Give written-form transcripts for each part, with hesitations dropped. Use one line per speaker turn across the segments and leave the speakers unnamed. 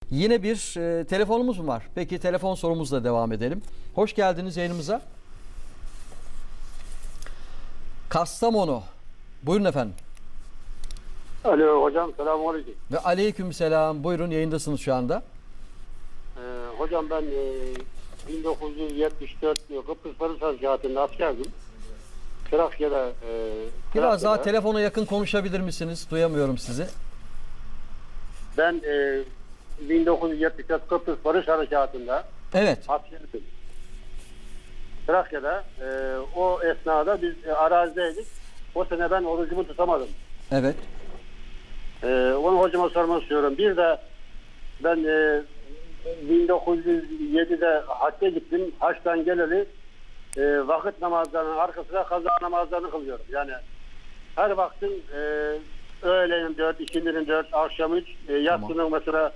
Yine bir telefonumuz mu var? Peki telefon sorumuzla devam edelim. Hoş geldiniz yayınımıza. Kastamonu. Buyurun efendim.
Alo hocam, selamünaleyküm.
Ve aleykümselam. Buyurun, yayındasınız şu anda.
Hocam ben 1974 Kıbrıs Barış Harekatı'nda askerdim. Trakya'da
Biraz daha telefona yakın konuşabilir misiniz? Duyamıyorum sizi.
Ben 1974 Kıbrıs Barış Harekatı'nda
Evet.
askerdim. Trakya'da o esnada biz arazideydik. O sene ben orucumu tutamadım.
Evet.
Onu hocama sormak istiyorum. Bir de ben 1907'de hacca gittim. Haçtan geleli vakit namazlarının arkasına kaza namazlarını kılıyorum. Yani her vaktin öğlenin 4, ikindinin 4, akşam 3, yatsının mesela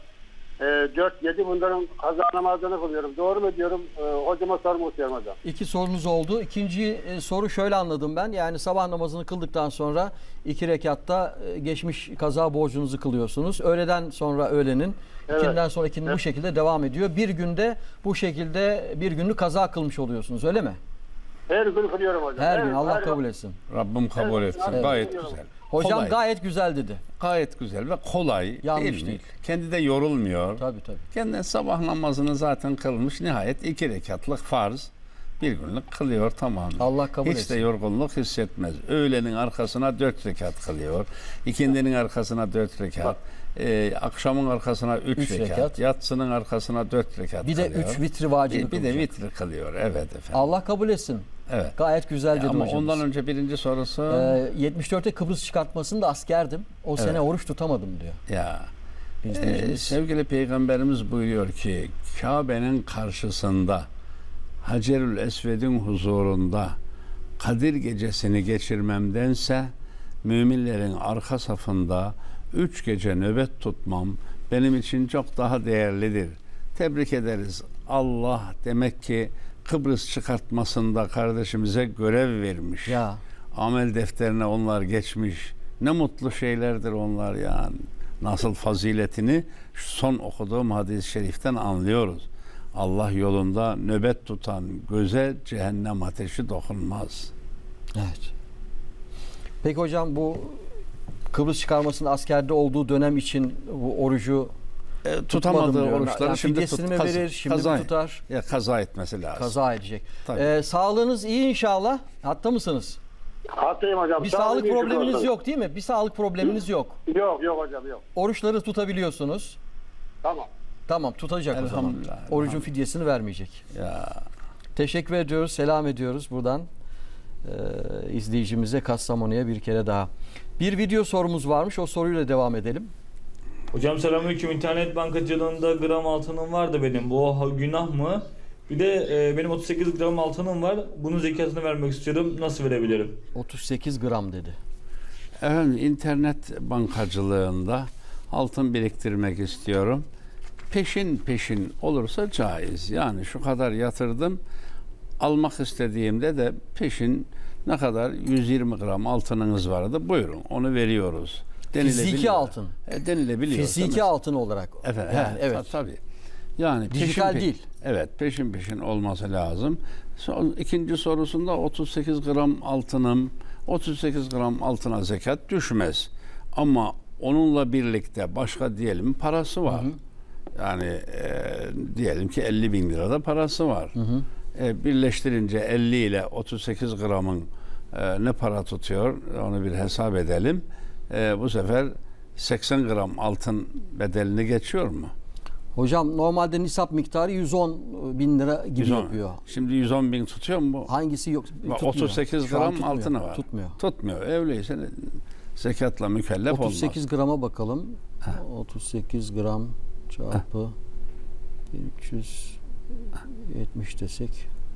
4-7 bunların kaza namazlarını kılıyorum. Doğru mu diyorum? Hocama sormak istiyorum hocam.
İki sorunuz oldu. İkinci soru şöyle anladım ben. Yani sabah namazını kıldıktan sonra 2 rekatta geçmiş kaza borcunuzu kılıyorsunuz. Öğleden sonra öğlenin,
Evet.
ikinden sonra ikinin bu şekilde devam ediyor. Bir günde bu şekilde bir günlük kaza kılmış oluyorsunuz, öyle mi?
Her gün kılıyorum hocam.
Her gün Allah kabul etsin.
Rabbim kabul
Evet,
etsin.
evet.
Gayet güzel.
Hocam
Kolay.
gayet güzel dedi.
Gayet güzel ve kolay.
Yanlış
değil mi?
değil.
Kendi de yorulmuyor.
Tabii.
Kendi sabah namazını zaten kılmış. Nihayet 2 rekatlık farz. Bir günlük kılıyor, tamam.
Allah kabul
Hiç
etsin.
de yorgunluk hissetmez. Öğlenin arkasına 4 rekat kılıyor. İkindinin arkasına 4 rekat. Akşamın arkasına 3
Üç
rekat.
rekat.
Yatsının arkasına 4 rekat
Bir de
kılıyor.
3 vitri vacibi
Bir de
kılacak.
vitri kılıyor. Evet efendim.
Allah kabul etsin.
Evet.
Gayet güzel dedi
Ama
hocamız.
ondan önce birinci sorusu
74'te Kıbrıs çıkartmasında askerdim. O sene oruç tutamadım diyor.
ya
İzleyicimiz.
sevgili Peygamberimiz buyuruyor ki Kabe'nin karşısında Hacerül Esved'in huzurunda Kadir gecesini geçirmemdense müminlerin arka safında 3 gece nöbet tutmam benim için çok daha değerlidir. Tebrik ederiz. Allah demek ki Kıbrıs çıkartmasında kardeşimize görev vermiş.
Ya.
Amel defterine onlar geçmiş. Ne mutlu şeylerdir onlar yani. Nasıl faziletini şu son okuduğum hadis-i şeriften anlıyoruz. Allah yolunda nöbet tutan göze cehennem ateşi dokunmaz.
Evet. Peki hocam, bu Kıbrıs çıkarmasının askerde olduğu dönem için bu orucu
Tutamadığı
diyor.
oruçları
Yani
şimdi
fidyesini mi verir, şimdi mi tutar?
Ya kaza etmesi lazım.
Kaza edecek.
Tabii.
Sağlığınız iyi inşallah. Hatta mısınız?
Hastayım hocam.
Bir
Sağ
sağlık
olun, iyi
probleminiz
şükür olsun.
yok değil mi? Bir sağlık probleminiz yok.
Yok hocam yok.
Oruçları tutabiliyorsunuz.
Tamam.
Tamam, tutacak o zaman.
Elhamdülillah,
Orucun fidyesini vermeyecek.
Ya
Teşekkür ediyoruz, selam ediyoruz buradan izleyicimize, Kastamonu'ya bir kere daha. Bir video sorumuz varmış, o soruyla devam edelim.
Hocam selamünaleyküm. İnternet bankacılığında gram altınım var da benim. Bu günah mı? Bir de benim 38 gram altınım var. Bunun zekatını vermek istiyorum. Nasıl verebilirim?
38 gram dedi.
efendim internet bankacılığında altın biriktirmek istiyorum. Peşin olursa caiz. Yani şu kadar yatırdım, almak istediğimde de peşin ne kadar 120 gram altınınız vardı, buyurun onu veriyoruz.
Fiziki altın.
Denilebiliyor.
Fiziki altın olarak.
Efendim,
Yani, evet.
tabii. Yani
Dijital değil.
Evet, peşin olması lazım. İkinci sorusunda 38 gram altınım, 38 gram altına zekat düşmez. Ama onunla birlikte başka diyelim parası var. Yani diyelim ki 50 bin lirada parası var. Birleştirince 50 ile 38 gramın ne para tutuyor onu bir hesap edelim. Bu sefer 80 gram altın bedelini geçiyor mu?
Hocam normalde nisap miktarı 110 bin lira gibi
110.
yapıyor.
Şimdi 110 bin tutuyor mu bu?
Hangisi yok? Tutmuyor.
38
Şu an
gram
tutmuyor.
altını var. Tutmuyor. Öyleyse zekatla mükellef
38
olmaz.
grama bakalım. 38 gram çarpı 1370 desek.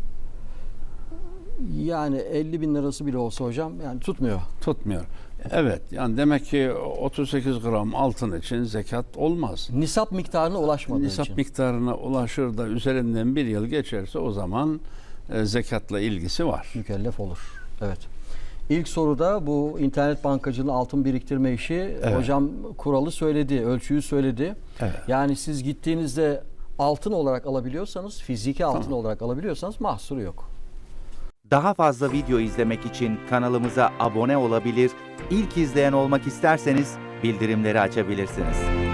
Yani 50 bin lirası bile olsa hocam yani tutmuyor.
Tutmuyor. Evet, yani demek ki 38 gram altın için zekat olmaz.
Nisap miktarına ulaşmadığı
Nisap
için.
miktarına ulaşır da üzerinden bir yıl geçerse o zaman zekatla ilgisi var.
Mükellef olur. Evet. İlk soruda bu internet bankacılığının altın biriktirme işi, hocam kuralı söyledi, ölçüyü söyledi.
Evet.
Yani siz gittiğinizde altın olarak alabiliyorsanız, fiziki altın olarak alabiliyorsanız mahsuru yok.
Daha fazla video izlemek için kanalımıza abone olabilir, ilk izleyen olmak isterseniz bildirimleri açabilirsiniz.